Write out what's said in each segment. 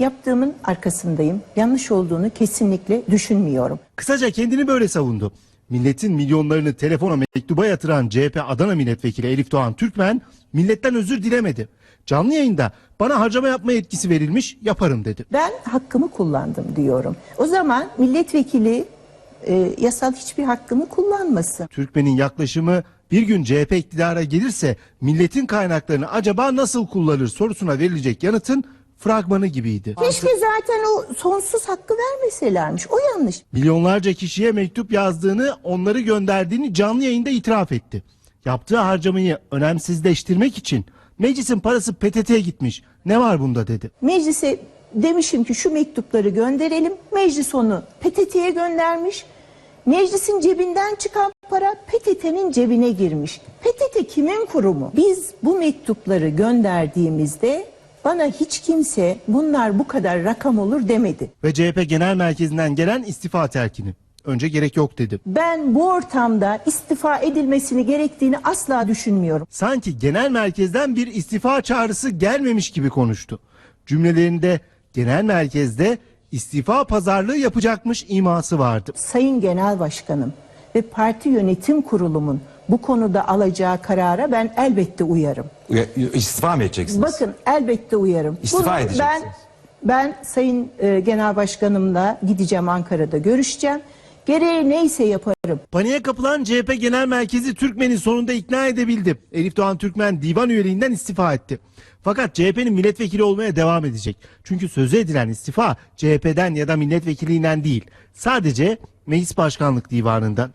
yaptığımın arkasındayım. Yanlış olduğunu kesinlikle düşünmüyorum. Kısaca kendini böyle savundu. Milletin milyonlarını telefona mektuba yatıran CHP Adana Milletvekili Elif Doğan Türkmen milletten özür dilemedi. Canlı yayında bana harcama yapma yetkisi verilmiş, yaparım dedi. Ben hakkımı kullandım diyorum. O zaman milletvekili yasal hiçbir hakkını kullanmasın. Türkmen'in yaklaşımı bir gün CHP iktidara gelirse milletin kaynaklarını acaba nasıl kullanır sorusuna verilecek yanıtın fragmanı gibiydi. Keşke zaten o sonsuz hakkı vermeselermiş. O yanlış. Milyonlarca kişiye mektup yazdığını, onları gönderdiğini canlı yayında itiraf etti. Yaptığı harcamayı önemsizleştirmek için meclisin parası PTT'ye gitmiş. Ne var bunda dedi. Meclise demişim ki şu mektupları gönderelim. Meclis onu PTT'ye göndermiş. Meclisin cebinden çıkan para PTT'nin cebine girmiş. PTT kimin kurumu? Biz bu mektupları gönderdiğimizde bana hiç kimse bunlar bu kadar rakam olur demedi. Ve CHP Genel Merkezi'nden gelen istifa telkini. Önce gerek yok dedi. Ben bu ortamda istifa edilmesini gerektiğini asla düşünmüyorum. Sanki genel merkezden bir istifa çağrısı gelmemiş gibi konuştu. Cümlelerinde genel merkezde istifa pazarlığı yapacakmış iması vardı. Sayın Genel Başkanım ve parti yönetim kurulumun bu konuda alacağı karara ben elbette uyarım. İstifa mı edeceksiniz? Bakın elbette uyarım. İstifa edeceksiniz. Ben Sayın Genel Başkanımla gideceğim, Ankara'da görüşeceğim. Gereği neyse yaparım. Paniğe kapılan CHP Genel Merkezi Türkmen'i sonunda ikna edebildi. Elif Doğan Türkmen divan üyeliğinden istifa etti. Fakat CHP'nin milletvekili olmaya devam edecek. Çünkü sözü edilen istifa CHP'den ya da milletvekiliğinden değil. Sadece meclis başkanlık divanından.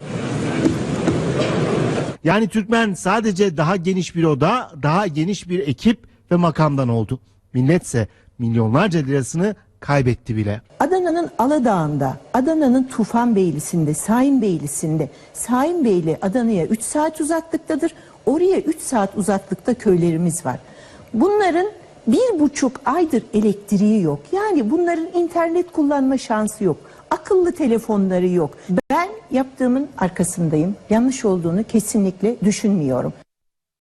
Yani Türkmen sadece daha geniş bir oda, daha geniş bir ekip ve makamdan oldu. Milletse milyonlarca lirasını kaybetti bile. Adana'nın Aladağ'ında, Adana'nın Tufanbeyli'sinde, Sahinbeyli'sinde, Sahinbeyli Adana'ya 3 saat uzaklıktadır. Oraya 3 saat uzaklıkta köylerimiz var. Bunların 1,5 aydır elektriği yok. Yani bunların internet kullanma şansı yok. Akıllı telefonları yok. Ben yaptığımın arkasındayım. Yanlış olduğunu kesinlikle düşünmüyorum.